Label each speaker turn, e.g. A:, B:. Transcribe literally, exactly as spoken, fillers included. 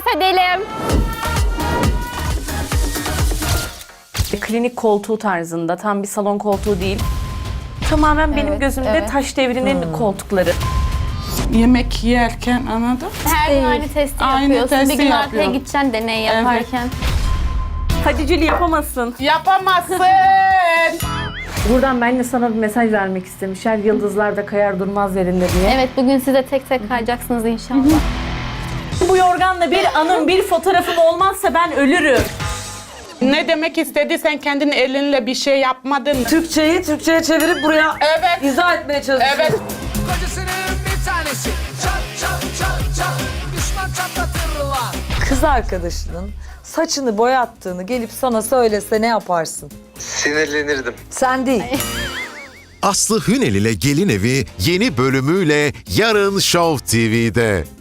A: teklif edelim.
B: Klinik koltuğu tarzında, tam bir salon koltuğu değil. Tamamen benim
A: Evet,
B: gözümde
A: evet.
B: taş devrinin koltukları.
C: Yemek yerken anladın?
A: Her gün aynı testi
C: Aynı
A: yapıyorsun.
C: testi
A: Bir gün arkaya
C: yapıyorum.
A: gideceksin deney yaparken.
B: Hadi Jüli yapamazsın.
C: Yapamazsın.
B: Buradan ben de sana bir mesaj vermek istemişler. Yıldızlar da kayar durmaz yerinde diye.
A: Evet, bugün size tek tek kayacaksınız inşallah.
B: Bu yorganla bir anım, bir fotoğrafım olmazsa ben ölürüm.
C: Ne demek istedi? Sen kendin elinle bir şey yapmadın.
D: Türkçeyi Türkçe'ye çevirip buraya
C: Evet.
D: izah etmeye çalışıyorsun.
C: Evet.
E: Kocasının bir tanesi çat çat çat çat düşman çatlatırlar.
D: Kız arkadaşının saçını boyattığını gelip sana söylese ne yaparsın?
F: Sinirlenirdim.
D: Sen değil.
G: Aslı Hünel ile Gelin Evi yeni bölümüyle yarın Show T V'de.